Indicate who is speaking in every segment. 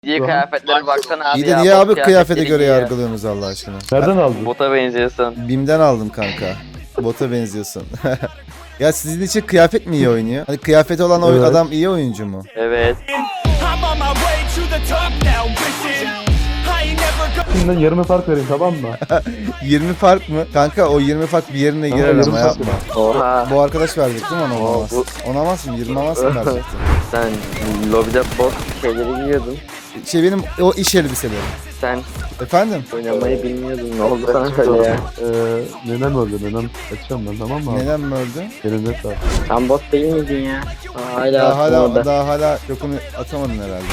Speaker 1: Diye kıyafetlere baksana abi
Speaker 2: İyi de
Speaker 1: ya.
Speaker 2: niye
Speaker 1: bot
Speaker 2: abi kıyafete
Speaker 1: kıyafetleri
Speaker 2: göre
Speaker 1: giyiyor.
Speaker 2: yargılıyorsunuz Allah aşkına?
Speaker 3: Nereden aldın?
Speaker 1: Bota benziyorsun.
Speaker 2: BİM'den aldım kanka. Bota benziyorsun. Ya sizin için kıyafet mi iyi oynuyor? Hani kıyafeti olan
Speaker 3: Evet.
Speaker 2: adam iyi oyuncu mu?
Speaker 1: Evet.
Speaker 3: Şimdiden yarım fark vereyim, tamam mı?
Speaker 2: 20 fark mı? Kanka o 20 fark bir yerine
Speaker 3: Tamam,
Speaker 2: girer
Speaker 3: yarım
Speaker 2: ama
Speaker 3: fark
Speaker 2: yapma.
Speaker 1: Oha.
Speaker 2: Bu arkadaş verecek değil mi ona
Speaker 1: Oo,
Speaker 2: olamaz? Onamaz mı? 20 amaz mı verecekti?
Speaker 1: Sen lobide bot şeyleri giyiyordun.
Speaker 2: Şey benim o iş elbiselerim.
Speaker 1: Sen
Speaker 2: Efendim?
Speaker 1: oynamayı bilmiyordun. Ne oldu sana böyle ya?
Speaker 3: Nenem öldü, nenem. Kaçacağım ben, tamam mı abi?
Speaker 2: Neden mi öldü?
Speaker 3: Benim net var.
Speaker 1: Sen bot değil miydin ya? Hala
Speaker 2: Daha hala yokunu atamadın herhalde.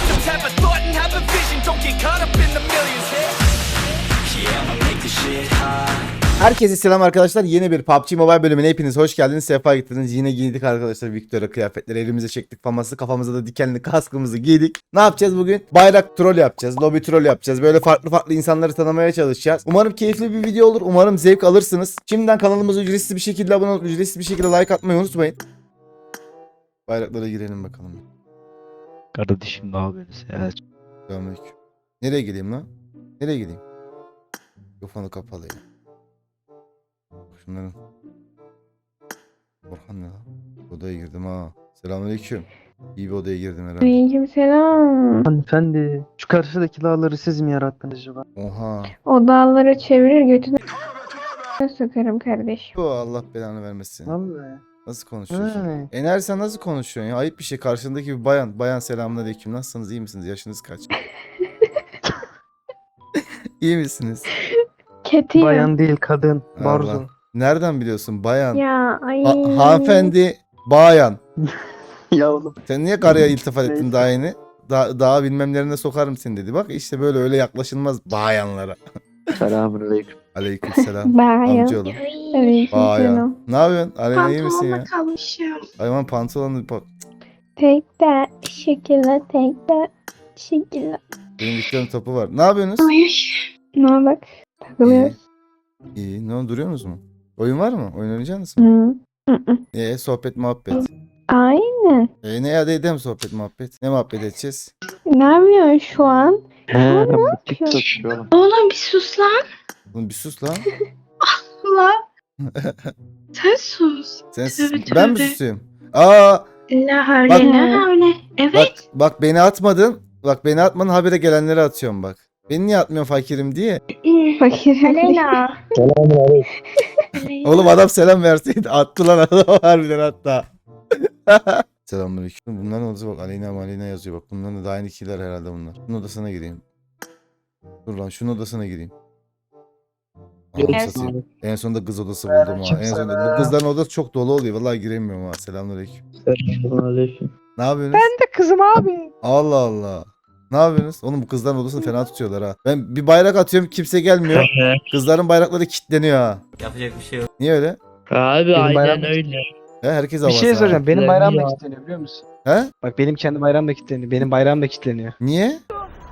Speaker 2: Herkese selam arkadaşlar. Yeni bir PUBG Mobile bölümüne hepiniz hoş geldiniz. Sefa getirdiniz. Yine giydik arkadaşlar Victoria kıyafetleri. Elimize çektik faması. Kafamıza da dikenli kaskımızı giydik. Ne yapacağız bugün? Bayrak troll yapacağız. Lobby troll yapacağız. Böyle farklı insanları tanımaya çalışacağız. Umarım keyifli bir video olur. Umarım zevk alırsınız. Şimdiden kanalımıza ücretsiz bir şekilde abone olup ücretsiz bir şekilde like atmayı unutmayın. Bayraklara girelim bakalım.
Speaker 4: Kardeşim ne yapıyorsunuz ya?
Speaker 2: Selamünaleyküm. Nereye gideyim lan? Nereye gideyim? Mikrofonu kapalı ya. Şunların. Orhan ne lan? Odaya girdim ha. Selamünaleyküm. İyi bir odaya girdim herhalde.
Speaker 5: Aleykümselam.
Speaker 4: Hanımefendi, şu karşıdaki dağları siz mi yarattınız acaba?
Speaker 2: Oha.
Speaker 5: O dağları çevirir götünü sokarım kardeşim.
Speaker 2: Bu Allah belanı vermesin.
Speaker 4: Vallahi.
Speaker 2: Nasıl konuşuyorsun?
Speaker 4: He.
Speaker 2: Ener sen nasıl konuşuyorsun ya? Ayıp bir şey. Karşındaki bir bayan. Bayan selamünaleyküm. Nasılsınız? İyi misiniz? Yaşınız kaç? İyi misiniz?
Speaker 5: Kötü ya.
Speaker 4: Bayan değil kadın. Barzo.
Speaker 2: Allah. Nereden biliyorsun? Bayan.
Speaker 5: Ya ay.
Speaker 2: Hanımefendi. Bayan.
Speaker 4: Ya oğlum.
Speaker 2: Sen niye karıya iltifat ettin daha yeni? Daha bilmemlerine sokarım seni dedi. Bak işte böyle öyle yaklaşılmaz bayanlara.
Speaker 1: Selamünaleyküm.
Speaker 2: Aleykümselam.
Speaker 5: Bayan.
Speaker 2: Amcaoğlu. Bayan.
Speaker 5: Aleykümselam.
Speaker 2: Ne yapıyorsun? Aleyna iyi misin ya?
Speaker 6: kalmışım.
Speaker 2: Hayvan pantolonu bak.
Speaker 5: Tek de şekilde tek de şekilde.
Speaker 2: Benim Victor'un topu var. Ne yapıyorsunuz?
Speaker 6: Ay.
Speaker 5: Ne bak? Takılıyoruz.
Speaker 2: İyi. Ne oldu, duruyorsunuz mu? Oyun var mı? Oyun oynayacaksınız mı?
Speaker 5: Hı.
Speaker 2: Sohbet muhabbet.
Speaker 5: Aynen.
Speaker 2: Ne ya dedim sohbet muhabbet. Ne muhabbet edeceğiz?
Speaker 5: Ne yapıyorsun şu an?
Speaker 4: He, bu TikTok şu an.
Speaker 6: Oğlum bir sus lan.
Speaker 2: Oğlum bir sus lan.
Speaker 6: Allah. Sen sus.
Speaker 2: Sen
Speaker 6: Tövbe
Speaker 2: ben mi
Speaker 6: tövbe.
Speaker 2: susayım? Aa
Speaker 6: La havle
Speaker 2: Bak-
Speaker 6: la havle. Evet.
Speaker 2: bak beni atmadın. Bak beni atmadın, habire gelenleri atıyorum bak. Beni niye atmıyorsun fakirim diye.
Speaker 5: Fakir.
Speaker 6: Aleyna.
Speaker 2: Oğlum adam selam verseydi attı lan adam harbiden hatta. Selamünaleyküm. Bunların odası bak, Aleyna yazıyor bak. Bunların da aynı kişiler herhalde bunlar. Şunun odasına gireyim. Dur lan şunun odasına gireyim. Anam
Speaker 6: Evet.
Speaker 2: satayım. En sonunda kız odası buldum ha. En sonunda. Bu kızların odası çok dolu oluyor. Vallahi giremiyorum ha. Selamünaleyküm.
Speaker 4: Selamünaleyküm.
Speaker 2: Ne yapıyorsunuz?
Speaker 5: de kızım abi.
Speaker 2: Allah Allah. Ne yapıyorsunuz? Oğlum bu kızların odasını fena tutuyorlar ha. Ben bir bayrak atıyorum, kimse gelmiyor. Kızların bayrakları kilitleniyor ha.
Speaker 7: Yapacak bir şey yok.
Speaker 2: Niye öyle?
Speaker 7: Abi
Speaker 4: Benim
Speaker 7: aynen
Speaker 4: bayram-
Speaker 7: öyle.
Speaker 2: He, herkes
Speaker 8: Bir
Speaker 2: havası
Speaker 8: şey
Speaker 2: ha.
Speaker 8: soracağım. Benim
Speaker 7: Ya.
Speaker 8: bayram da kilitleniyor biliyor musun?
Speaker 2: He?
Speaker 8: Bak benim kendi bayram da kilitleniyor. Benim bayram da kilitleniyor.
Speaker 2: Niye?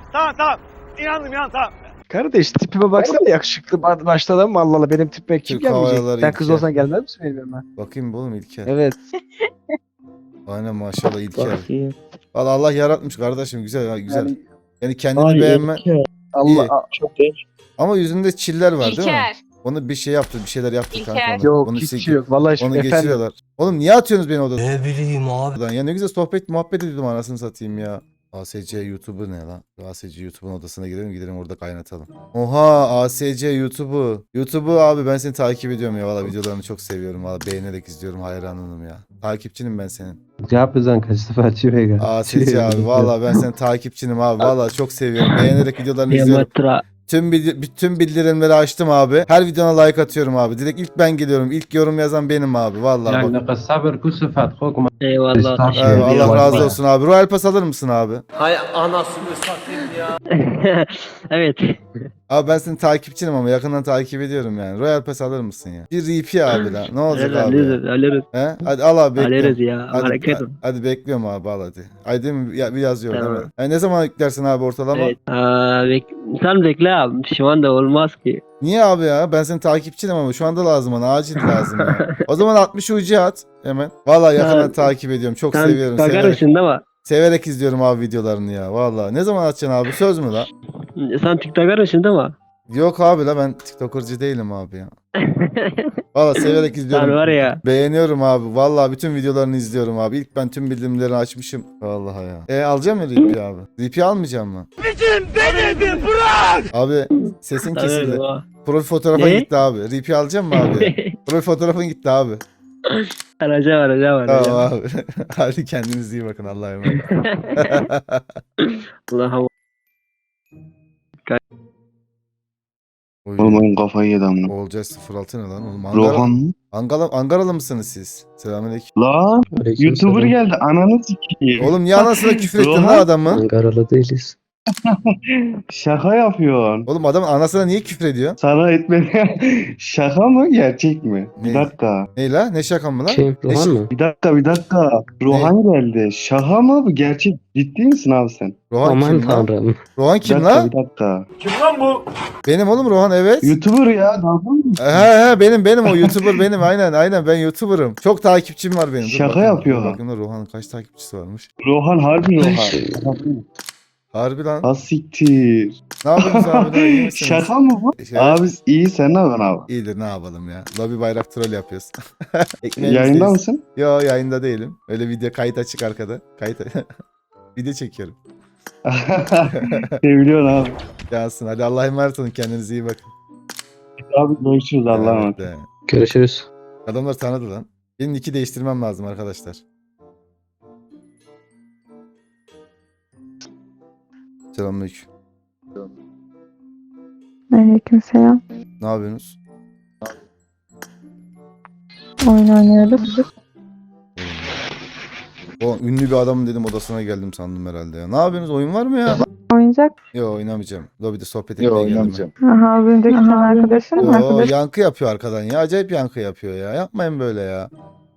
Speaker 8: Kardeş tipime baksana yakışıklı başta adam mı Allah Allah benim tipime kim
Speaker 2: Türk Hava
Speaker 8: gelmeyecek?
Speaker 2: Yolları
Speaker 8: Sen kız
Speaker 2: İlker.
Speaker 8: olsan gelmez misin benim yanıma?
Speaker 2: Bakayım oğlum İlker.
Speaker 8: Evet.
Speaker 2: Aynen maşallah İlker.
Speaker 4: Bakayım.
Speaker 2: Valla Allah yaratmış kardeşim, güzel ha, güzel.
Speaker 8: Yani
Speaker 2: Yani kendini
Speaker 4: Ay,
Speaker 2: beğenme.
Speaker 4: İlker.
Speaker 8: Allah
Speaker 2: İyi.
Speaker 4: Çok genç.
Speaker 2: Ama yüzünde çiller var değil mi?
Speaker 6: İlker.
Speaker 2: Onu bir şey yaptı, bir şeyler yaptı kanka
Speaker 6: İlker.
Speaker 2: ona.
Speaker 8: yok
Speaker 2: Onu
Speaker 8: hiçbir şey yok. Vallahi
Speaker 2: Onu
Speaker 8: efendim.
Speaker 2: geçiriyorlar. Oğlum niye atıyorsunuz beni odadan?
Speaker 7: Ne bileyim abi.
Speaker 2: Ya ne güzel sohbet muhabbet ediyordum, anasını satayım ya. ASC YouTube'u ne lan? ASC YouTube'un odasına gidelim orada kaynatalım. Oha ASC YouTube'u abi ben seni takip ediyorum ya, valla videolarını çok seviyorum, valla beğenerek izliyorum, hayranınım ya. Takipçinim ben senin.
Speaker 3: Yapızan kaç sefer çivega.
Speaker 2: ASC abi valla ben senin takipçinim abi, valla çok seviyorum. Beğenerek videolarını izliyorum.
Speaker 4: Yamatra.
Speaker 2: Bütün bildirimleri açtım abi. Her videona like atıyorum abi. Direkt ilk ben geliyorum. İlk yorum yazan benim abi. Vallahi bak.
Speaker 3: sabır kusufat hokma.
Speaker 4: Eyvallah.
Speaker 2: Evet, Allah razı olsun abi. Royal Pass alır mısın abi?
Speaker 7: Hay anasını satayım ya.
Speaker 4: Evet.
Speaker 2: Abi ben senin takipçinim ama yakından takip ediyorum yani. Royal Pass alır mısın ya? Bir RP abi lan. Ne olacak abi?
Speaker 4: Alırız.
Speaker 2: He? Hadi al abi
Speaker 4: Alırız
Speaker 2: bekliyorum.
Speaker 4: ya.
Speaker 2: Hadi,
Speaker 4: Hareket
Speaker 2: hadi bekliyorum abi, al hadi. Ay değil mi? Bir yazıyor
Speaker 4: Tamam.
Speaker 2: değil mi? Yani ne zaman yüklersin abi ortalama?
Speaker 4: Evet. Sen bekle abi. Şu anda olmaz ki.
Speaker 2: Niye abi ya? Ben senin takipçinim ama şu anda lazım bana. Acil lazım ya. O zaman 60 UC at hemen. Vallahi yakından
Speaker 4: Ha,
Speaker 2: takip ediyorum. Çok
Speaker 4: Sen
Speaker 2: seviyorum.
Speaker 4: bakar
Speaker 2: Severek,
Speaker 4: mısın değil mi?
Speaker 2: Severek izliyorum abi videolarını ya. Vallahi. Ne zaman atacaksın abi? Söz mü la?
Speaker 4: Sen TikToker mısın değil mi?
Speaker 2: Yok abi la, ben TikToker'cı değilim abi ya. Vallahi severek izliyorum.
Speaker 4: Sen var ya.
Speaker 2: Beğeniyorum abi. Vallahi bütün videolarını izliyorum abi. İlk ben tüm bildirimleri açmışım. Vallahi ya. Alacağım mı RP abi? RP almayacağım mı? Abi sesin kesildi.
Speaker 4: Tabii, o.
Speaker 2: Profil fotoğrafın
Speaker 4: Ne?
Speaker 2: gitti abi. RP alacağım mı abi? Profil fotoğrafın gitti abi.
Speaker 4: Arayacağım.
Speaker 2: Tamam abi. Hadi kendinize iyi bakın. Allah'a emanet.
Speaker 4: Allah'ım.
Speaker 9: Oğlum oyun kafayı yedi amına.
Speaker 2: Olcay 06 ne lan? Oğlum
Speaker 9: Rohan mı?
Speaker 2: Ankaralı mısınız siz? Selamünaleyküm.
Speaker 9: La YouTuber geldi ananı sikeyim.
Speaker 2: Oğlum niye anasına küfür ettin lan
Speaker 9: Rohan.
Speaker 2: adamı?
Speaker 3: Ankaralı değiliz.
Speaker 9: Şaka yapıyorsun.
Speaker 2: Oğlum adamın anasına niye küfür ediyor?
Speaker 9: Sana etmedi. Şaka mı gerçek mi?
Speaker 2: Ne?
Speaker 9: Bir dakika.
Speaker 2: Ne la? Ne şaka mı lan?
Speaker 3: Rohan mı?
Speaker 9: Bir dakika. Rohan geldi. Şaka mı bu gerçek? Ciddi misin abi sen?
Speaker 2: Rohan
Speaker 3: Aman
Speaker 2: kim lan?
Speaker 3: tanrım.
Speaker 2: Rohan
Speaker 9: Bir
Speaker 2: kim
Speaker 9: dakika,
Speaker 2: lan?
Speaker 9: bir dakika.
Speaker 2: Benim oğlum Rohan, evet.
Speaker 9: YouTuber ya. Dalga mı?
Speaker 2: He benim o YouTuber benim, aynen ben YouTuber'ım. Çok takipçim var benim. Dur
Speaker 9: Şaka
Speaker 2: bakayım,
Speaker 9: yapıyor
Speaker 2: dur
Speaker 9: ha.
Speaker 2: bakayım da Rohan'ın kaç takipçisi varmış.
Speaker 9: Rohan harbi Rohan.
Speaker 2: Harbi lan.
Speaker 9: Ha siktir.
Speaker 2: Ne yapıyorsunuz abi? İyi misiniz?
Speaker 9: Şaka mı bu?
Speaker 2: Evet.
Speaker 9: Abi iyi sen ne yapıyorsun abi?
Speaker 2: İyidir, ne yapalım ya. Lobi bayrak troll yapıyoruz.
Speaker 9: Yayında
Speaker 2: Ekmeğimizdeyiz.
Speaker 9: mısın?
Speaker 2: Yo, yayında değilim. Öyle video kayıt açık arkada. Video çekiyorum.
Speaker 9: Seviliyorsun abi.
Speaker 2: Yansın. Hadi Allah'a emanet olun. Kendinize iyi bakın.
Speaker 9: Abi görüşürüz Allah'a emanet.
Speaker 2: Evet, evet.
Speaker 3: Görüşürüz.
Speaker 2: Adamlar tanıdı lan. Benim nick'i değiştirmem lazım arkadaşlar. Selamünaleyküm.
Speaker 5: Aleykümselam.
Speaker 2: Ne yapıyorsunuz?
Speaker 5: Oyun oynuyoruz.
Speaker 2: O ünlü bir adam dedim, odasına geldim sandım herhalde ya. Ne yapıyorsunuz? Oyun var mı ya?
Speaker 5: Oyuncak.
Speaker 2: Yok, oynamayacağım. Lobide sohbet etmeye geldim.
Speaker 5: Aha, az önceki sen arkadaşın mı?
Speaker 2: Yo, yankı yapıyor arkadan ya. Acayip yankı yapıyor ya. Yapmayın böyle ya.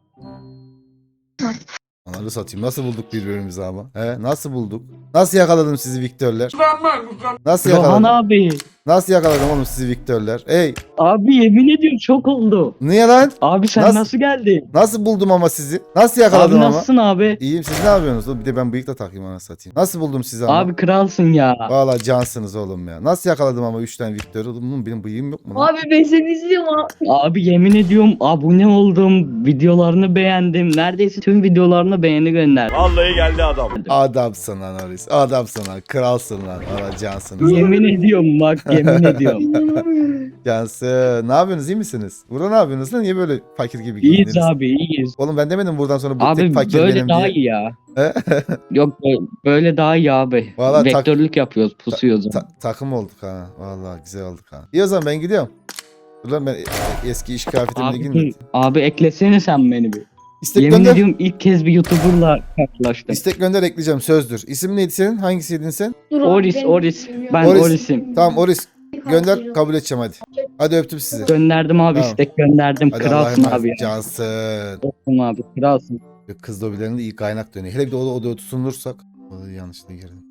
Speaker 2: Ananı satayım. Nasıl bulduk birbirimizi ama? He? Nasıl bulduk? Nasıl yakaladım sizi Viktörler? Nasıl
Speaker 10: Rohan
Speaker 2: yakaladım?
Speaker 10: abi.
Speaker 2: Nasıl yakaladım oğlum sizi Viktörler? Ey!
Speaker 10: Abi yemin ediyorum çok oldu.
Speaker 2: Niye lan?
Speaker 10: Abi sen
Speaker 2: Nasıl-
Speaker 10: nasıl geldin?
Speaker 2: Nasıl buldum ama sizi? Nasıl yakaladım
Speaker 10: Abi
Speaker 2: ama?
Speaker 10: nasılsın abi?
Speaker 2: İyiyim, siz ne yapıyorsunuz? Oğlum bir de ben bıyık da takayım, anasını satayım. Nasıl buldum sizi ama?
Speaker 10: Abi kralsın ya.
Speaker 2: Valla cansınız oğlum ya. Nasıl yakaladım ama 3 tane Viktör? Oğlum benim bıyığım yok mu lan?
Speaker 6: Abi ben seni izliyorum abi.
Speaker 10: Abi yemin ediyorum abone oldum. Videolarını beğendim. Neredeyse tüm videolarına beğeni gönderdim.
Speaker 2: Adamsın lan Aris. Adamsın lan. Kralsın lan. Valla cansınız.
Speaker 10: Yemin ediyorum bak yemin ediyorum.
Speaker 2: Cansın. Ne yapıyorsunuz? İyi misiniz? Burada ne yapıyorsunuz lan? Niye böyle fakir gibi
Speaker 10: İyiyiz
Speaker 2: giyindiniz?
Speaker 10: abi iyiyiz.
Speaker 2: Oğlum ben demedim buradan sonra bu
Speaker 10: Abi
Speaker 2: tek fakir
Speaker 10: böyle
Speaker 2: benim
Speaker 10: daha
Speaker 2: diye.
Speaker 10: iyi ya.
Speaker 2: He?
Speaker 10: Yok böyle daha iyi abi.
Speaker 2: Vallahi
Speaker 10: Vektörlük yapıyoruz pusuyoruz.
Speaker 2: Takım olduk ha. Valla güzel olduk ha. İyi o zaman ben gidiyorum. Dur lan, ben eski iş kıyafetimle girmedim.
Speaker 10: Abi eklesene sen beni bir.
Speaker 2: İstek
Speaker 10: Yemin
Speaker 2: gönder.
Speaker 10: ediyorum ilk kez bir YouTuber'la karşılaştım.
Speaker 2: İstek gönder, ekleyeceğim, sözdür. İsim neydi senin? Hangisiydin sen?
Speaker 6: Dur abi,
Speaker 10: Oris,
Speaker 6: ben
Speaker 10: Oris.
Speaker 6: bilmiyorum.
Speaker 10: Ben
Speaker 2: Oris.
Speaker 10: Oris'im.
Speaker 2: Tamam Oris. Gönder, kabul edeceğim hadi. Hadi öptüm sizi.
Speaker 10: Gönderdim abi
Speaker 2: Tamam.
Speaker 10: istek gönderdim.
Speaker 2: Hadi Allah'a
Speaker 10: Kralsın
Speaker 2: emanet.
Speaker 10: abi ya.
Speaker 2: Cansın.
Speaker 10: Olsun abi kralsın.
Speaker 2: Kız lobilerinde iyi kaynak dönüyor. Hele bir de odaya tutunursak. Odaya yanlışlıkla girdim.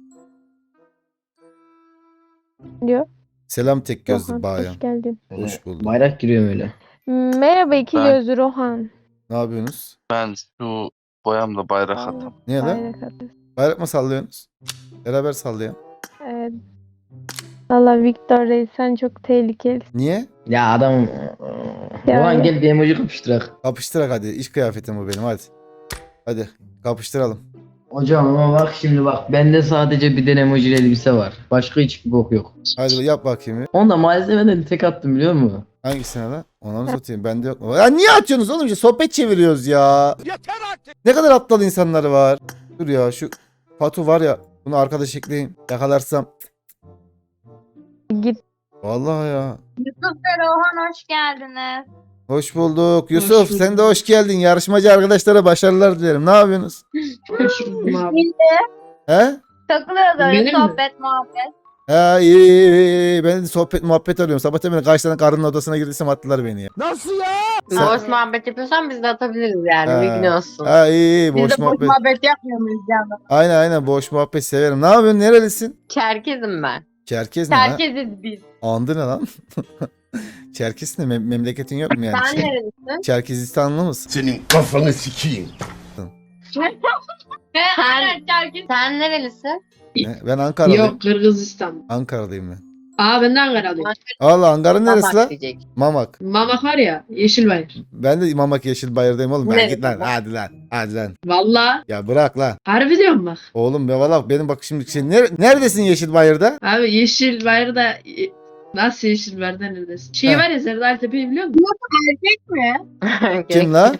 Speaker 5: Diyor.
Speaker 2: Selam tek gözlü
Speaker 5: Rohan,
Speaker 2: bayan.
Speaker 5: hoş geldin.
Speaker 2: Hoş bulduk.
Speaker 3: Bayrak giriyorum öyle.
Speaker 5: Merhaba iki
Speaker 9: Ben-
Speaker 5: gözlü Rohan.
Speaker 2: Ne yapıyorsunuz?
Speaker 9: Ben şu boyamla bayrak atam.
Speaker 2: Niye lan?
Speaker 5: Bayrak atıyorsun.
Speaker 2: Bayrak mı sallıyorsunuz? Beraber sallayalım.
Speaker 5: Evet. Valla Victor Reis sen çok tehlikeli.
Speaker 2: Niye?
Speaker 3: Ya adam...
Speaker 5: Yani.
Speaker 3: Rohan gel bir emoji kapıştırak.
Speaker 2: Kapıştırak hadi. İş kıyafetim bu benim hadi. Hadi kapıştıralım.
Speaker 3: Hocam ama bak şimdi bak. Bende sadece bir tane emoji elbise var. Başka hiçbir bok yok.
Speaker 2: Hadi yap bakayım. Bir.
Speaker 3: Onu da malzemeden tek attım biliyor musun?
Speaker 2: Hangisine lan? Ona mı satayım? Bende yok mu? Ya niye atıyorsunuz oğlum? İşte sohbet çeviriyoruz ya. Yeter artık. Ne kadar aptal insanları var. Dur ya, şu Fatu var ya. Bunu arkadaş ekleyeyim. Yakalarsam.
Speaker 5: Git.
Speaker 2: Vallahi ya.
Speaker 6: Yusuf ve Rohan hoş geldiniz.
Speaker 2: Hoş bulduk. Yusuf sen de hoş geldin. Yarışmacı arkadaşlara başarılar dilerim. Ne yapıyorsunuz? He?
Speaker 6: Takılıyoruz öyle
Speaker 10: Benim mi?
Speaker 6: sohbet muhabbet.
Speaker 2: Ha iyi. Ben de sohbet muhabbet arıyorum. Sabah hemen kaç tane karının odasına girdiysem attılar beni ya. Sen-
Speaker 11: Boş muhabbet yapıyorsan biz de atabiliriz yani.
Speaker 2: Ha.
Speaker 11: Bilgin olsun.
Speaker 2: Ha iyi.
Speaker 6: Biz
Speaker 2: Boş
Speaker 6: de boş
Speaker 2: muhabbet.
Speaker 6: muhabbet yapmıyor muyuz canım?
Speaker 2: Aynen boş muhabbet severim. Ne yapıyorsun? Nerelisin?
Speaker 11: Çerkezim ben.
Speaker 2: Çerkez ne lan?
Speaker 6: Herkesiz biz.
Speaker 2: Andı ne lan? Çerkez ne? Memleketin yok mu yani?
Speaker 6: Sen nerelisin?
Speaker 2: Çerkezistanlı mısın?
Speaker 7: Senin kafanı sikeyim.
Speaker 6: Aynen Çerkez.
Speaker 11: Sen nerelisin?
Speaker 2: Ben Ankara'dayım.
Speaker 12: Yok, Kırgızistan.
Speaker 2: Ankara'dayım ben.
Speaker 12: Aa, ben de Ankara'lıyım.
Speaker 2: Allah, Ankara neresi
Speaker 11: Mamak
Speaker 2: lan?
Speaker 11: diyecek.
Speaker 2: Mamak.
Speaker 12: Mamak var ya, Yeşilbayır.
Speaker 2: Ben de Mamak Yeşilbayır'dayım oğlum. Ben
Speaker 11: Neresi
Speaker 2: git lan.
Speaker 11: bu?
Speaker 2: Hadi lan. Hadi lan.
Speaker 12: Valla.
Speaker 2: Ya bırak lan.
Speaker 12: Harbi diyorum bak.
Speaker 2: Oğlum be valla benim bak şimdi neredesin Yeşilbayır'da?
Speaker 12: Abi Yeşilbayır'da nasıl Yeşilbayır'da neredesin? Şey
Speaker 2: Heh.
Speaker 12: var ya, Serdar Tepe'yi biliyor musun?
Speaker 6: Erkek mi?
Speaker 2: Kim la?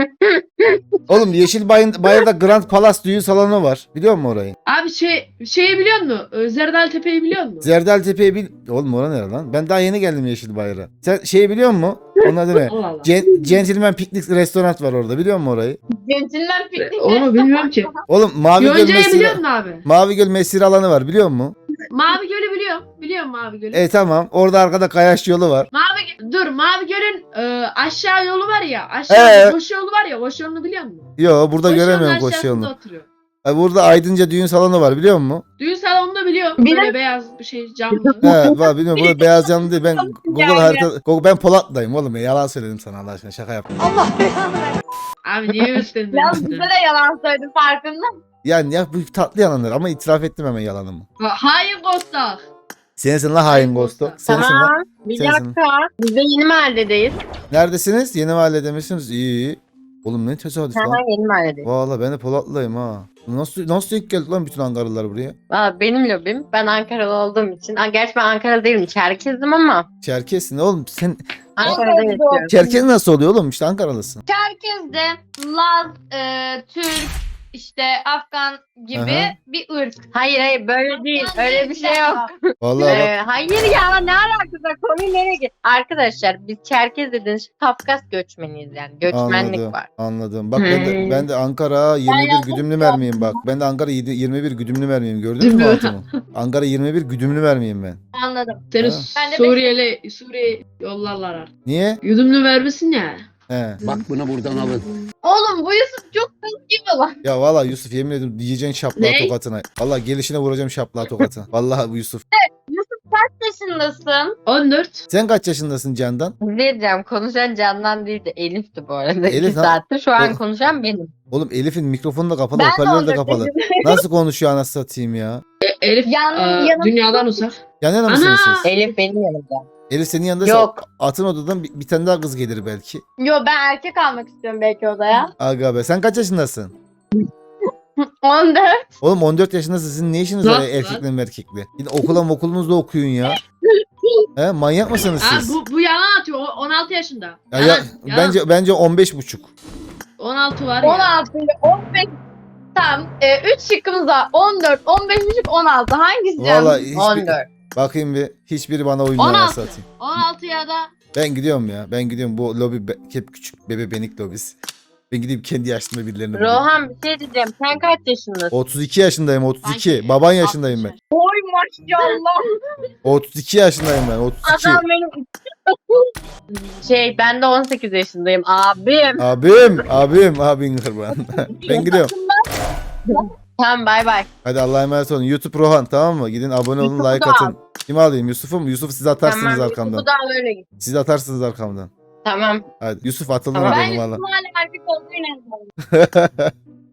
Speaker 2: Oğlum Yeşilbayır'da Grand Palace düğün salonu var. Biliyor musun orayı?
Speaker 12: Abi şeyi biliyor musun? Zerdal Tepe'yi biliyor musun?
Speaker 2: Zerdal Tepe'yi bil... Oğlum orası nere lan? Ben daha yeni geldim Yeşilbayır'a. Sen şeyi biliyor musun? Onun adı ne?
Speaker 12: Allah Allah.
Speaker 2: Gentleman Picnic restoran var orada. Biliyor musun orayı?
Speaker 6: Centilmen piknik.
Speaker 12: Onu bilmiyorum ki.
Speaker 2: Oğlum Mavi Göl
Speaker 12: Yonca'yı biliyor
Speaker 2: mesire...
Speaker 12: musun abi?
Speaker 2: Mavi Göl mesire alanı var. Biliyor musun?
Speaker 12: Mavi Göl'ü biliyorum. Biliyorum Mavi Göl'ü.
Speaker 2: Tamam. Orada arkada kayaç yolu var.
Speaker 12: Mavi Göl'ün aşağı yolu var ya. Aşağı koşu yolu var ya. Koşu yolunu biliyor musun?
Speaker 2: Yo burada
Speaker 12: Koşu
Speaker 2: göremiyorum
Speaker 12: yolunun
Speaker 2: koşu
Speaker 12: aşağısında
Speaker 2: yolunu.
Speaker 12: oturuyor.
Speaker 2: Burada Aydınca düğün salonu var. Biliyor musun?
Speaker 12: Düğün salonunu biliyorum.
Speaker 6: Bir
Speaker 12: Böyle beyaz bir şey camlı.
Speaker 2: He var bilmiyorum. Burada beyaz canlı değil. Ben Google harita... Ben Polat'tayım oğlum. Yalan söyledim sana Allah aşkına. Şaka yaptım.
Speaker 12: Abi niye üstlendin?
Speaker 6: Ya bize de yalan söyledim farkında mısın?
Speaker 2: Yani ya bu tatlı yalanlar ama itiraf ettim hemen yalanımı.
Speaker 12: Hayır Kostak.
Speaker 2: Sensin la hain Ghost'u. Sensin la.
Speaker 11: Tamam. Bir
Speaker 2: Sensin.
Speaker 11: dakika. Biz de yeni mahalledeyiz.
Speaker 2: Neredesiniz? Yeni mahallede misiniz? İyi. Oğlum ne tesadüf lan.
Speaker 11: Hemen yeni mahalledeyiz.
Speaker 2: Valla ben de Polatlı'yım ha. Nasıl denk geldi lan bütün Ankaralılar buraya?
Speaker 11: Valla benim lobim. Ben Ankaralı olduğum için. Gerçi ben Ankaralı değilim. Çerkezdim ama.
Speaker 2: Çerkessin oğlum. Sen
Speaker 11: Ankara'da yaşıyorum.
Speaker 2: Çerkes nasıl oluyor oğlum? İşte Ankaralısın.
Speaker 6: Çerkez'de Laz, Türk, işte Afgan gibi
Speaker 2: Aha.
Speaker 6: bir ırk.
Speaker 11: Hayır böyle değil. Öyle bir şey yok.
Speaker 2: Vallahi bak.
Speaker 11: Hayır ya, ne alakası var? Konuyu nereye git? Arkadaşlar biz Çerkez dediğiniz Kafkas göçmeniyiz yani. Göçmenlik
Speaker 2: Anladım.
Speaker 11: var.
Speaker 2: Anladım. Bak ben de Ankara 21 güdümlü mermiyim bak. Ben de Ankara 21 güdümlü mermiyim. Gördün mü altımı? Ankara 21 güdümlü mermiyim ben.
Speaker 6: Anladım.
Speaker 12: Seni
Speaker 2: Ha.
Speaker 6: Ben de
Speaker 12: Suriye yollarlar artık.
Speaker 2: Niye?
Speaker 12: Yudumlu vermesin ya.
Speaker 2: He.
Speaker 7: Bak bunu buradan alın.
Speaker 6: Oğlum bu Yusuf çok kız gibi lan.
Speaker 2: Ya valla Yusuf yemin ediyorum diyeceksin şaplağı
Speaker 12: Ne?
Speaker 2: tokatına. Valla gelişine vuracağım şaplağı tokatına. Vallahi bu Yusuf.
Speaker 6: Kaç yaşındasın?
Speaker 12: 14.
Speaker 2: Sen kaç yaşındasın Candan?
Speaker 11: Ne diyeceğim? Konuşan Candan değil de Elif'ti bu arada.
Speaker 2: Elif
Speaker 11: 2
Speaker 2: ha?
Speaker 11: saattir. Şu an
Speaker 2: O-
Speaker 11: konuşan benim.
Speaker 2: Oğlum Elif'in mikrofonu da kapalı,
Speaker 6: Ben de
Speaker 2: hoparlörü de
Speaker 6: 14
Speaker 2: kapalı.
Speaker 6: yaşındayım.
Speaker 2: Nasıl konuşuyor anasını satayım ya?
Speaker 12: Elif
Speaker 6: Yanım-
Speaker 12: dünyadan uzak.
Speaker 2: Yan yana mısınız
Speaker 12: Ana!
Speaker 2: siz?
Speaker 11: Elif benim yanımda.
Speaker 2: Elif senin yanında
Speaker 11: Yok.
Speaker 2: atın odadan bir tane daha kız gelir belki.
Speaker 6: Yo ben erkek almak istiyorum belki odaya.
Speaker 2: Aga be sen kaç yaşındasın?
Speaker 6: 14.
Speaker 2: Oğlum 14 yaşındasın sizin ne işiniz var
Speaker 12: Lan,
Speaker 2: ya erkekle merkekle? Yine okulunuzda okuyun ya. He manyak mısınız
Speaker 12: Ha,
Speaker 2: siz?
Speaker 12: bu yalan atıyor. 16 yaşında.
Speaker 2: Ya,
Speaker 12: Yalan, yalan.
Speaker 2: bence 15,5.
Speaker 12: 16 var ya.
Speaker 6: 16 ile 15. Tamam. 3 şıkkımız var. 14, 15,5, 16. Hangisi canım?
Speaker 2: Vallahi
Speaker 11: 14.
Speaker 2: bakayım bir hiçbiri bana uymuyor
Speaker 12: 16.
Speaker 2: anasını satayım.
Speaker 12: 16 ya da
Speaker 2: Ben gidiyorum ya. Ben gidiyorum bu lobi hep küçük bebe benik lobisi. Ben gideyim kendi yaşımda birilerini bulayım.
Speaker 11: Rohan bir şey diyeceğim. Sen kaç yaşındasın?
Speaker 2: 32 yaşındayım 32.
Speaker 12: Sanki
Speaker 2: Baban yaşındayım ben.
Speaker 6: Oy maşallah.
Speaker 2: 32 yaşındayım ben 32.
Speaker 11: Adam benim... ben de 18 yaşındayım. Abim.
Speaker 2: Abim kurban. Ben gidiyorum.
Speaker 11: Tamam bay bay.
Speaker 2: Hadi Allah'a emanet olun. YouTube Rohan tamam mı? Gidin abone olun
Speaker 11: Yusuf'u
Speaker 2: like
Speaker 11: da
Speaker 2: atın. Kimi alayım Yusuf'u mu? Yusuf siz atarsınız
Speaker 11: Tamam.
Speaker 2: arkamdan.
Speaker 11: Bu da öyle git.
Speaker 2: Siz atarsınız arkamdan.
Speaker 11: Tamam.
Speaker 2: Hadi Yusuf atıldı
Speaker 11: Tamam.
Speaker 2: mı
Speaker 6: Ben
Speaker 2: benim valla.
Speaker 6: Yusuf'un hala erkek olduğunu inanıyorum.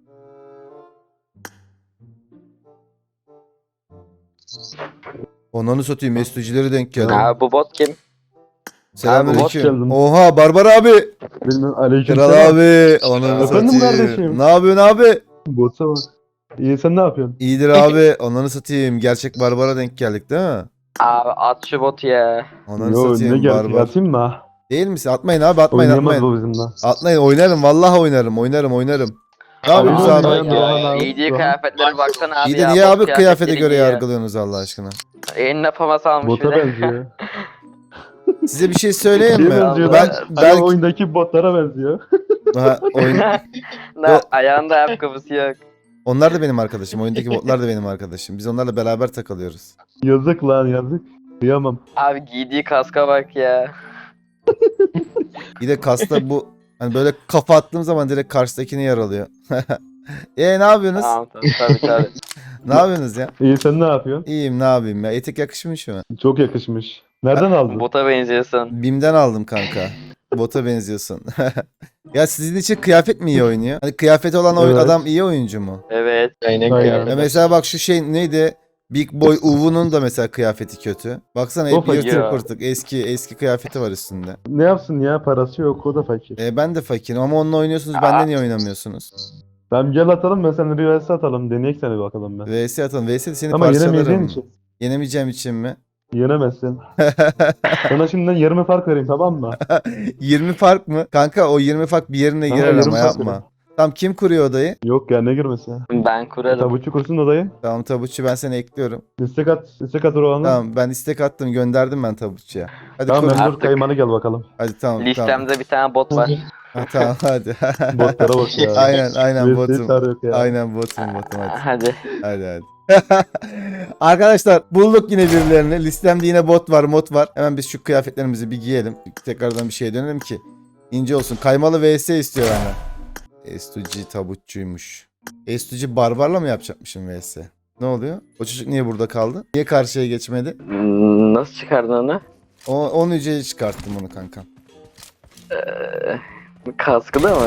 Speaker 2: Onları satayım. Mesutçileri denk geldi.
Speaker 1: Abi bu bot kim?
Speaker 2: Selamünaleyküm.
Speaker 9: geldin.
Speaker 2: Oha Barbar abi.
Speaker 9: Bilmem aleyküm
Speaker 2: Kral abi. Onları
Speaker 9: Efendim
Speaker 2: satayım.
Speaker 9: kardeşim?
Speaker 2: Ne yapıyorsun abi?
Speaker 9: Botsa bak. İyi sen ne yapıyorsun?
Speaker 2: İyidir abi. Onları satayım. Gerçek Barbar'a denk geldik değil mi?
Speaker 1: Abi at şu botu ya.
Speaker 2: Onları
Speaker 9: Yo ne
Speaker 2: satayım
Speaker 9: geldi
Speaker 2: Barbar.
Speaker 9: atayım mı ha?
Speaker 2: Değil misin? Atmayın abi atmayın
Speaker 9: Oynayamaz
Speaker 2: atmayın.
Speaker 9: bu bizimle.
Speaker 2: Atmayın oynarım. Vallahi oynarım. Ne yapıyorsunuz
Speaker 9: Abi,
Speaker 2: abi?
Speaker 9: Rohan abi.
Speaker 1: Giydiği kıyafetlere baksana abi
Speaker 2: İyi de
Speaker 1: ya.
Speaker 2: niye
Speaker 1: bot
Speaker 2: abi kıyafete
Speaker 1: kıyafetleri
Speaker 2: göre
Speaker 1: giyiyor.
Speaker 2: yargılıyorsunuz Allah aşkına?
Speaker 1: Eline famas almış
Speaker 9: Bota
Speaker 1: bir de.
Speaker 9: benziyor.
Speaker 2: Size bir şey söyleyeyim
Speaker 9: Şeye
Speaker 2: mi?
Speaker 9: benziyor
Speaker 2: Ben
Speaker 9: lan.
Speaker 2: belki
Speaker 9: Hani oyundaki botlara benziyor.
Speaker 2: oyun
Speaker 1: Ne ayağında ayakkabısı yok.
Speaker 2: onlar da benim arkadaşım. Oyundaki botlar da benim arkadaşım. Biz onlarla beraber takılıyoruz.
Speaker 9: Yazık lan yazık. Kıyamam.
Speaker 1: Abi giydiği kaska bak ya.
Speaker 2: Bir de kasta bu hani böyle kafa attığım zaman direkt karşıdakini yaralıyor. Ne yapıyorsunuz?
Speaker 1: Tamam tabii.
Speaker 2: Ne yapıyorsunuz ya?
Speaker 9: İyi sen ne yapıyorsun?
Speaker 2: İyiyim ne yapayım ya? Etek yakışmış mı?
Speaker 9: Çok yakışmış. Nereden aldın?
Speaker 1: Bota benziyorsun.
Speaker 2: Bim'den aldım kanka. Bota benziyorsun. Ya sizin için kıyafet mi iyi oynuyor? Hani kıyafeti olan
Speaker 8: Evet.
Speaker 2: adam iyi oyuncu mu?
Speaker 1: Evet.
Speaker 8: Aynen.
Speaker 2: Ya mesela bak şu şey neydi? Big Boy Uvu'nun da mesela kıyafeti kötü. Baksana hep
Speaker 8: fakir.
Speaker 2: yırtık pırtık. Eski kıyafeti var üstünde.
Speaker 8: Ne yapsın ya, parası yok, o da fakir.
Speaker 2: Ben de fakirim ama onunla oynuyorsunuz. Bende niye oynamıyorsunuz?
Speaker 8: Tamam gel atalım, ben seninle bir vs atalım, deneyek seni bakalım ben.
Speaker 2: VS atalım. VS de seni
Speaker 8: Ama yenemeyeceğin
Speaker 2: parçalarım.
Speaker 8: için.
Speaker 2: Yenemeyeceğim için mi?
Speaker 8: Yenemezsin. Sana şimdiden 20 fark vereyim, tamam mı?
Speaker 2: 20 fark mı? Kanka o 20 fark bir yerine
Speaker 8: Tamam,
Speaker 2: girer
Speaker 8: 20
Speaker 2: ama
Speaker 8: fark
Speaker 2: yapma.
Speaker 8: verin.
Speaker 2: Tamam kim kuruyor odayı?
Speaker 8: Yok ya, ne girmesi.
Speaker 1: Ben kurarım.
Speaker 8: Tabutçu kursun odayı.
Speaker 2: Tamam Tabutçu ben seni ekliyorum.
Speaker 8: İstek at Rohan'a.
Speaker 2: Tamam ben istek attım gönderdim ben Tabutçu'ya. Hadi
Speaker 8: Tamam,
Speaker 2: kur.
Speaker 8: ben dur
Speaker 1: Artık.
Speaker 8: kaymanı gel bakalım.
Speaker 2: Hadi tamam.
Speaker 1: Listemde bir tane bot var.
Speaker 2: Ha, tamam hadi.
Speaker 8: Botlara bak ya.
Speaker 2: Aynen
Speaker 8: VS'yi
Speaker 2: botum.
Speaker 8: çağır yok ya.
Speaker 2: Aynen botum hadi.
Speaker 1: Hadi.
Speaker 2: Hadi. Arkadaşlar bulduk yine birilerini. Listemde yine bot var, mod var. Hemen biz şu kıyafetlerimizi bir giyelim. Tekrardan bir şeye dönelim ki ince olsun. Kaymalı vs istiyor benden. Estuci tabutçuymuş. Estuci barbarla mı yapacakmışım vs? Ne oluyor? O çocuk niye burada kaldı? Niye karşıya geçmedi?
Speaker 1: Nasıl çıkardın onu?
Speaker 2: Onu yüceye çıkarttım onu kankam.
Speaker 1: Kaskı da mı?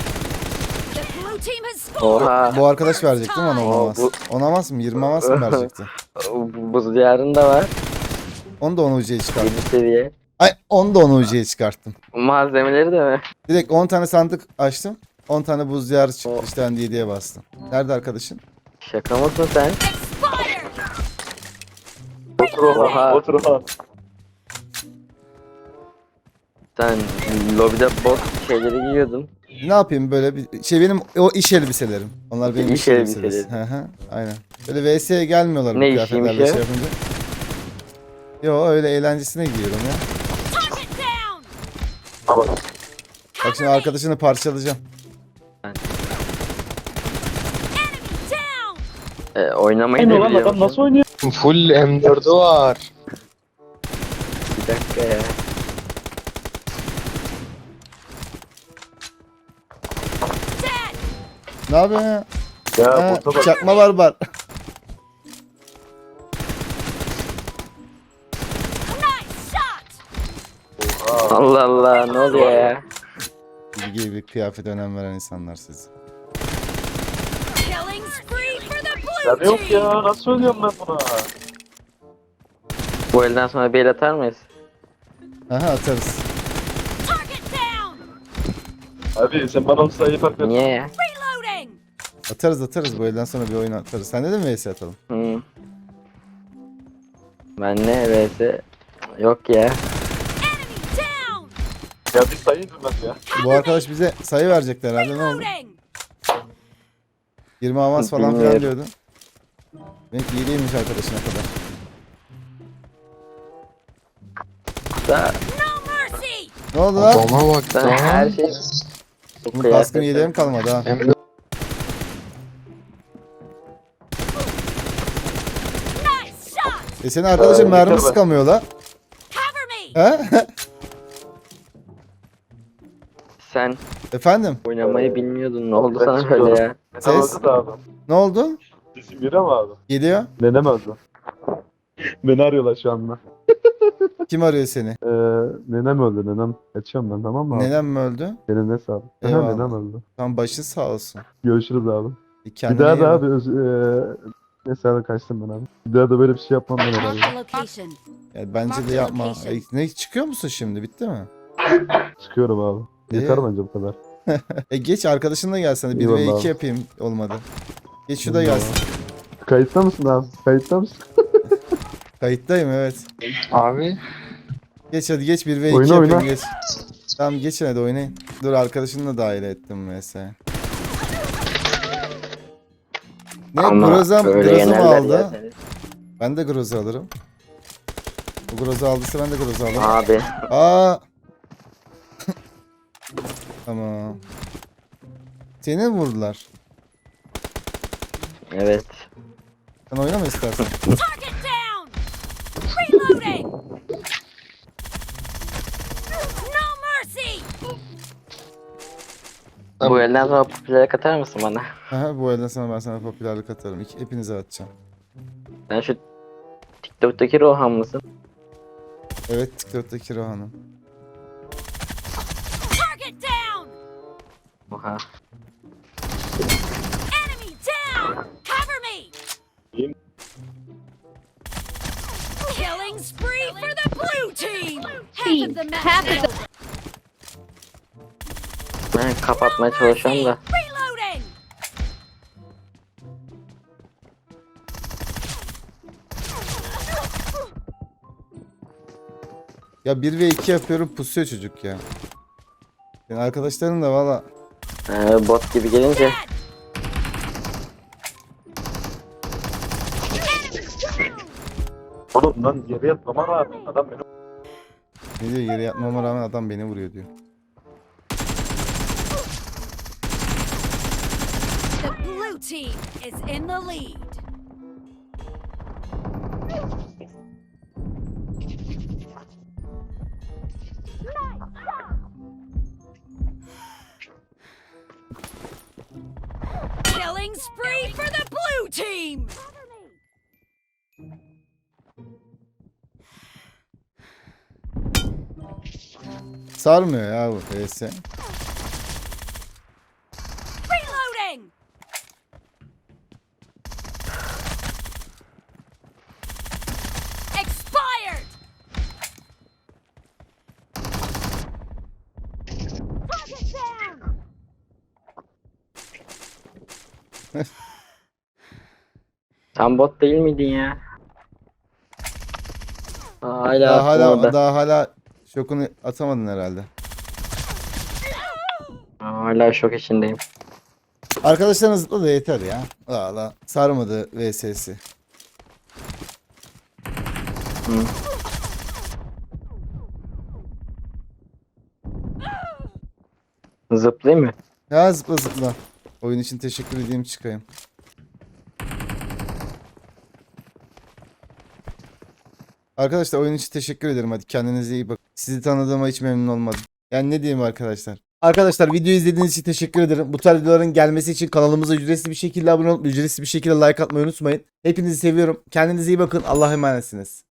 Speaker 1: Oha.
Speaker 2: Bu arkadaş verecek değil mi ona olamaz?
Speaker 1: bu-
Speaker 2: Onamaz mı? 20 avans mı verecekti?
Speaker 1: Buz diyarında var.
Speaker 2: Onu da onu yüceye
Speaker 1: 7
Speaker 2: çıkarttım.
Speaker 1: seviye.
Speaker 2: Ay onu da onu yüceye çıkarttım.
Speaker 1: Malzemeleri de mi?
Speaker 2: Direkt 10 tane sandık açtım. 10 tane buz diyarı çıktı. İşte ben 7'ye bastım. Nerede arkadaşın?
Speaker 1: Şaka mısın sen? Oha.
Speaker 8: Otur Rohan.
Speaker 1: Sen lobide bot şeyleri giyiyordun.
Speaker 2: Ne yapayım böyle bir şey benim o iş elbiselerim. Onlar benim
Speaker 1: İş
Speaker 2: iş elbiselerim.
Speaker 1: elbiseleri.
Speaker 2: Hı hı. Aynen. Böyle VS'ye gelmiyorlar bu
Speaker 1: Ne
Speaker 2: kıyafetlerle
Speaker 1: işiymiş
Speaker 2: şey
Speaker 1: ya?
Speaker 2: yapınca. Yo öyle eğlencesine giyiyorum ya. Bak şimdi arkadaşını parçalayacağım.
Speaker 1: Oynamayı da
Speaker 8: Aynı olan
Speaker 1: biliyor
Speaker 8: adam
Speaker 1: musun?
Speaker 8: nasıl oynuyor?
Speaker 7: Full M4'ü var.
Speaker 1: Bir dakika ya.
Speaker 2: Ne yapıyorsun ya?
Speaker 8: Ya
Speaker 2: Ha,
Speaker 8: bota bak.
Speaker 2: çakma barbar.
Speaker 1: Allah Allah ne oluyor ya?
Speaker 2: Bilgiye bir kıyafete önem veren insanlar siz.
Speaker 8: Ya yok ya, nasıl söylüyorum ben buna?
Speaker 1: Bu elden sonra bir el atar mıyız?
Speaker 2: Aha atarız.
Speaker 8: Abi sen bana o sayıyı fark ver.
Speaker 1: Niye ya?
Speaker 2: Atarız bu elden sonra bir oyun atarız. Sen de mi VS atalım?
Speaker 1: Hı. Ben ne vs yok ya.
Speaker 8: Ya bir sayı bilmez ya.
Speaker 2: Bu arkadaş bize sayı verecekti herhalde ne oldu? 20 avans falan filan
Speaker 1: Bilmiyorum.
Speaker 2: diyordu. Benim iyi değilmiş arkadaşına kadar.
Speaker 1: Da
Speaker 2: Ne oldu lan?
Speaker 7: Adama bak
Speaker 1: sen her şey.
Speaker 2: Bunun kaskını yedeğim kalmadı ha.
Speaker 7: Hem de
Speaker 2: Senin arkadaşın mermi
Speaker 8: yeter be.
Speaker 2: sıkamıyor la. He?
Speaker 1: Sen
Speaker 2: Efendim?
Speaker 1: oynamayı bilmiyordun. Ne oldu sana öyle ya?
Speaker 2: Ses?
Speaker 8: Abi.
Speaker 2: Ne oldu?
Speaker 8: Sesim geliyor mu abi?
Speaker 2: Geliyor.
Speaker 8: Nenem öldü. Beni arıyorlar şu anda.
Speaker 2: Kim arıyor seni?
Speaker 8: Nenem öldü, nenem. Kaçıyorum ben, tamam mı abi?
Speaker 2: Nenem mi öldü?
Speaker 8: Benim ne sağlık.
Speaker 2: Eyvallah.
Speaker 8: Nenem öldü.
Speaker 2: Tam başın sağ olsun.
Speaker 8: Görüşürüz abi. Bir
Speaker 2: Kendine
Speaker 8: daha
Speaker 2: iyi
Speaker 8: da
Speaker 2: bak.
Speaker 8: abi neyse abi, kaçtım ben abi. Bir daha da böyle bir şey yapmam ben herhalde.
Speaker 2: Ya bence de yapma. Ne çıkıyor musun şimdi? Bitti mi?
Speaker 8: Çıkıyorum abi. Yeter
Speaker 2: İyi.
Speaker 8: bence bu kadar.
Speaker 2: Geç arkadaşınla gelsene. 1 ve
Speaker 8: Eyvallah
Speaker 2: 2
Speaker 8: abi.
Speaker 2: yapayım olmadı. Geç şu da
Speaker 8: Eyvallah.
Speaker 2: gelsin.
Speaker 8: Kayıtta mısın abi? Kayıtta mısın?
Speaker 2: Kayıttayım evet.
Speaker 7: abi
Speaker 2: Geç hadi geç 1 ve 2
Speaker 8: Oyna,
Speaker 2: yapayım
Speaker 8: oyna.
Speaker 2: geç. Tamam geçin hadi oynayın. Dur arkadaşını da dahil ettim mesela. Ne
Speaker 1: Ama
Speaker 2: Groza
Speaker 1: böyle
Speaker 2: mı
Speaker 1: yenerler
Speaker 2: aldı?
Speaker 1: ya seni.
Speaker 2: Ben de Groza alırım. O Groza aldıysa ben de Groza alırım.
Speaker 1: Abi.
Speaker 2: Aa. Tamam. Seni mi vurdular?
Speaker 1: Evet.
Speaker 2: Sen oynama istersen.
Speaker 1: Bu elden sonra popüler katar mısın bana?
Speaker 2: Aha, bu elden sonra ben sana popülerlik atarım. Hepinize atacağım.
Speaker 1: Sen şu TikTok'taki Rohan mısın?
Speaker 2: Evet TikTok'taki Rohan'ım.
Speaker 1: Oha. Ben kapatmaya çalışıyorum da.
Speaker 2: Ya 1 ve 2 yapıyorum pusuyor çocuk ya. Yani arkadaşlarım da valla
Speaker 1: Bot gibi gelince.
Speaker 9: Oğlum lan yere yatmama rağmen adam beni
Speaker 2: ne diyor, yere yatmama rağmen adam beni vuruyor diyor. Sarmıyor ya bu PS.
Speaker 1: Sen bot değil miydin ya? Hala
Speaker 2: Daha
Speaker 1: orada.
Speaker 2: hala şokunu atamadın herhalde.
Speaker 1: Hala şok içindeyim.
Speaker 2: Arkadaşlarına zıpla da yeter ya. Valla sarmadı VS'si.
Speaker 1: Zıplayayım mı?
Speaker 2: Ya zıpla zıpla. Oyun için teşekkür edeyim, çıkayım. Arkadaşlar oyun için teşekkür ederim. Hadi kendinize iyi bakın. Sizi tanıdığıma hiç memnun olmadım. Yani ne diyeyim arkadaşlar. Arkadaşlar videoyu izlediğiniz için teşekkür ederim. Bu tarz videoların gelmesi için kanalımıza ücretsiz bir şekilde abone olup ücretsiz bir şekilde like atmayı unutmayın. Hepinizi seviyorum. Kendinize iyi bakın. Allah'a emanetsiniz.